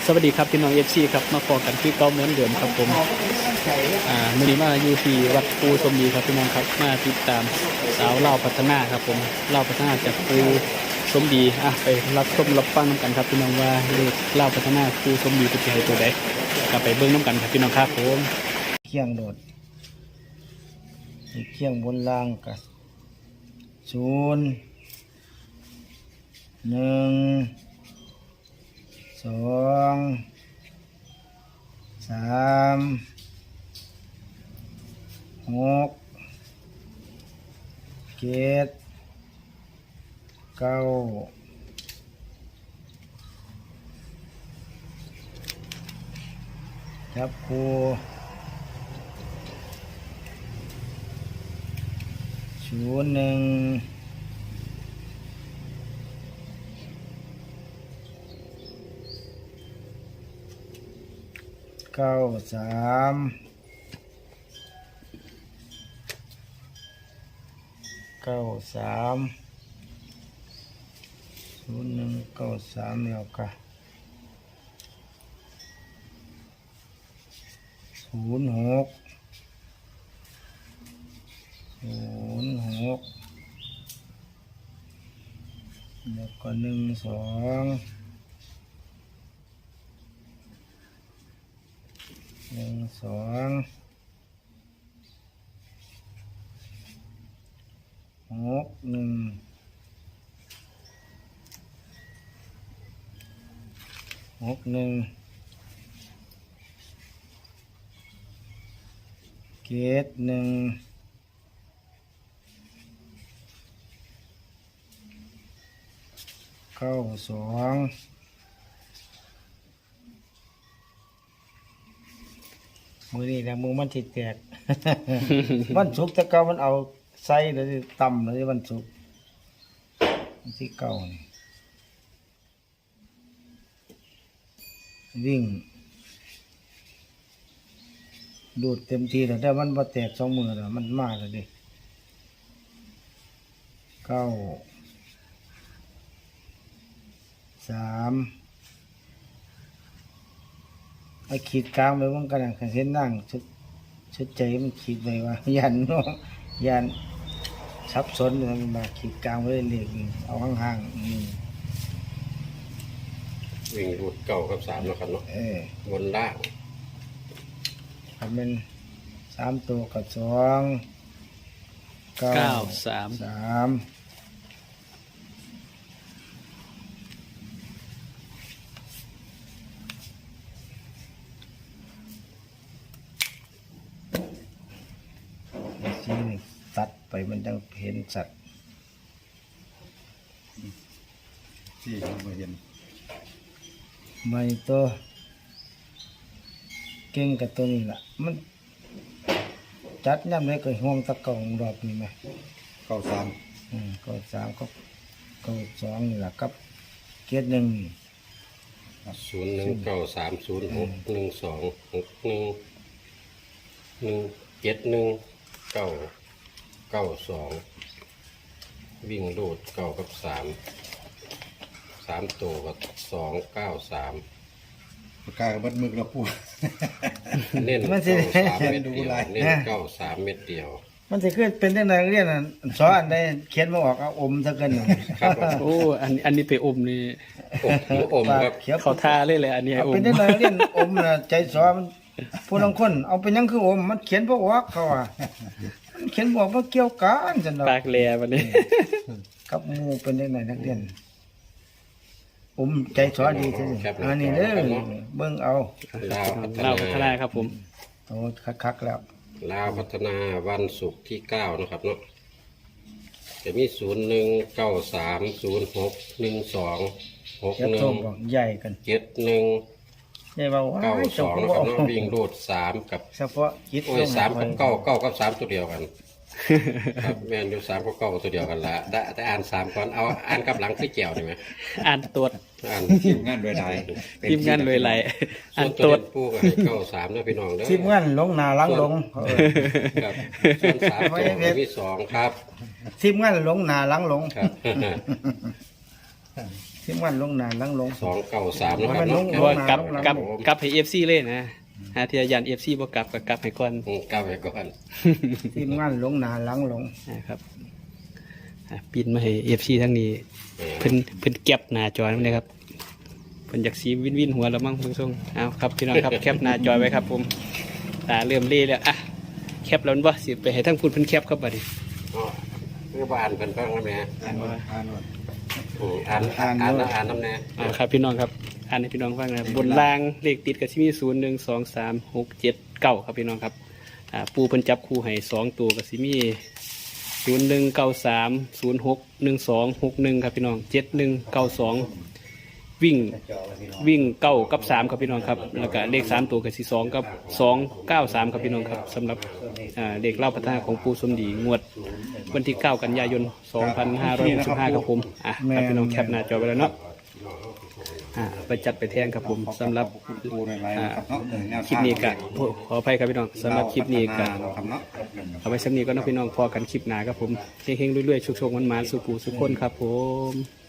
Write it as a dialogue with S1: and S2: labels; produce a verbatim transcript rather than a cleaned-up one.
S1: สวัสดีครับพี่น้องเอฟซีครับมาพอกันที่เก้าเหมือนเดิมครับผมอ่ามื่อนี้มาอยู่ที่วัดปูสมดีครับพี่น้องครับมาติดตามสาวเล่าพัฒนาครับผมเล่าพัฒนาจากปูสมดีอ่ะไปรับชมรับฟังน้ำกันครับพี่น้องว่าเลขเล่าพัฒนาปูสมดีเป็นยังไงตัวใดกลับไปเบิ้งน้ำกันครับพี่น้องครับผม
S2: เคียงโดดเคียงบนล่างกับศูนย์หนึ่งสองสามหกเจ็ดเก้าจับคู่ศูนย์หนึ่งเก้าสามเก้าสามศูนย์หนึ่งเก้าสามแล้วก็ศูนย์หกศูนย์หกแล้วก็หนึ่งสองหนึ่งสองหกหนึ่งหกหนึ่งเกตหนึ่งเก้าสองมือนี่นะมือมันติดแตก วันศุกร์แต่เก่ามันเอาไส้หรือตำหรือวันศุกร์ที่เก่านี่วิ่งดูดเต็มทีแล้วแต่มันมาแตกสองมือแล้วมันมากเลยดิเก้าสามไอ้ขีดกลางไปมันกระดังเห็นนั่งชุดชุดใจมันขีดไปว่ายันเนาะยันซับซ้อนมันมาขีดกลางไว้เรียกเอาห่างๆนี่
S3: วิ่งรูดเก่ากับสามแล้วครับเนาะ
S2: เออบ
S3: นล่าง
S2: ครับเป็นสามตัวกับสองเก้า
S1: เก้าสาม
S2: สามสีนี่ตัดไปมันยังเห็นสัตว์
S4: ที่เราเห็น
S2: ไม่ตัวเก่งกับตัวนี้แหละมันจัดย่ำเลยก็ห่วงตะกองรอบนี้ไหม
S4: เก้าสาม
S2: อืมก็สามก็ก็สองนี่แหละกับเกียรหนึ่ง
S3: ศูนย์หนึ่งเก้าสามศูนย์หกหนึ่งสองหกหนึ่งหนึ่งเจ็ดหนึ่งเก้าเก้าสองวิ่งรูดเก้ากับสามสามตัวกับสองเก้าสาม
S4: ปากกากับบัดมึกเราพูด
S3: เน้นเก้าสามเม็ดเดียวเน้นเก้าสามเม็ดเดียว
S2: มันจะขึ้นเป็นได้ไงเรียนอ่ะสอนอันใดเขียนมาออกเอาอมซะเกิน
S3: ครับ
S1: โอ้อันอันนี้ไปอมนี่
S3: อมหัวอมครับ
S2: เขียว
S1: เขาท่าเลยเลยอันนี้ให้
S2: เอา
S1: อ
S2: เป็
S1: ม
S2: นได้ไงเรียนอมน่ะใจสอมันผู้ลางคนเอาเป็นยังคืออมมันเขียนบ่ออกเขาอ่ะมันเขียนบอกว่าเกี่ยวกันจังดอก
S1: ปากแหลวันนี้
S2: กับหมู่เป็นได้ไงนักเรียนอมใจสอดีซื่อๆอันนี้เด้อเบิ่งเอา
S3: ลาวพัฒ
S1: เล่าพัฒนา
S3: นา
S1: ครับผม
S2: โอ้คักๆแล้ว
S3: ลาวพัฒนาวันศุกร์ที่เก้านะครับเนาะจะมีศูนย์หนึ่งเก้าสามศูนย์หกหนึ่งสองหก
S2: จะ
S3: หนึ่
S2: โท
S3: ง
S2: บอกใหญ่กัน
S3: เจ็ดหนึ่ง
S2: ใหญ่ว่าว้า
S3: เก้าย ส
S2: เจ้า
S3: อง
S2: ก็
S3: นะ
S2: บ่
S3: ครับ
S2: เอา
S3: เนาะวิ่งรูดสามกับ
S2: เฉพาะจิต
S3: โอ้ยสามกับเก้าเก้ากับสามตัวเดียวกันครับแม่นอยู่สามกับเก้าตัวเดียวกันละแต่แต่อ่านสามก่อนเอาอ่านกับหลังคือแก้วได้ไหม
S1: อ่านตรวจ
S3: อ่าน
S4: ทีมงานโดยใด
S1: ทีมงานเลยไหล
S3: ส่
S1: อั
S3: วน
S1: น
S3: ตั
S1: ต
S3: ว
S1: รวจ
S3: เด่นผู้ก็ให้เก้าสามนะพี่น้องเด้อ
S2: ทีมงานลงหนาหลังลงเออ
S3: ครับส่วนสามตัวก็มีสองครับ
S2: ทีมงานลงหนาหลังลง
S3: ครับ
S2: ที่มันลงหนาหลังลง
S3: สองเก้าสามนะค
S2: มั
S3: รับ
S2: นลง
S1: เพราะว่ากลับ
S2: ลง
S1: กลับ
S2: ลง
S1: กลับให้ เอฟ ซี เลยนะหาที่ยัน เอฟ ซี บ่กลับก็กลับให้ก่อน
S3: อืมก้าวไปก่อน
S2: ที่มันลงหนาหลังลง
S1: นะครับอ่ะปินมาให้ เอฟ ซี ทั้งนี้เพิ่นเพิ่นเก็บหน้าจอนั่นเลยครับเพิ่นอยากสีวินวินหัวแล้วมั้งเพิ่นส่งเอาครับพี่น้องครับแคปหน้าจอไว้ครับผมตาเริ่มเล่แล้วอ่ะแคปแล้วบ่สิไปให้ทั้งพูดเพิ่นแคปครับบัดนี้
S3: อ๋อคือบ้านเพิ่นเพิ่งแล้วแม่
S1: อ่านว่า
S4: อ่านว่า
S3: อืมอ่านอ่านอ่านอ่านน้ำแน่
S1: อ่าครับพี่น้องครับอ่านให้พี่น้องฟังนะครับบนล่างเลขติดกับที่มีศูนย์หนึ่งสองสามหกเจ็ดเก้าครับพี่น้องครับอ่าปูเพิ่นจับคู่ให้สองตัวกับสิมีศูนย์หนึ่งเก้าสามศูนย์หกหนึ่งสองหกหนึ่งครับพี่น้องเจ็ดหนึ่งเก้าสองวิ่งวิ่งเก้ากับสามครับพี่น้องครับแล้วก็เลขสามตัวกับสี่สองกับสองเก้าสามครับพี่น้องครับสำหรับอ่าเลขเล่าพัฒนาของปูสมดีงวดวันที่เก้ากันยายนสองพันห้าร้อยหกสิบห้าครับผมอ่ะครับพี่น้องแคปหน้าจอไว้แล้วเนาะอ่าไปจัดไปแทงครับผมสำหรับ
S4: ปูในไลน์นะครับเนาะแนวทาง
S1: คลิปนี้ก็ขออภัยครับพี่น้องสำหรับคลิปนี้ก็
S4: ครับเนาะ
S1: เอาไว้สำนี้ก็น้องพี่น้องพอกันคลิปหน้าครับผมเฮงๆเรื่อยๆชุกๆมันๆสุปูสุกคนครับผม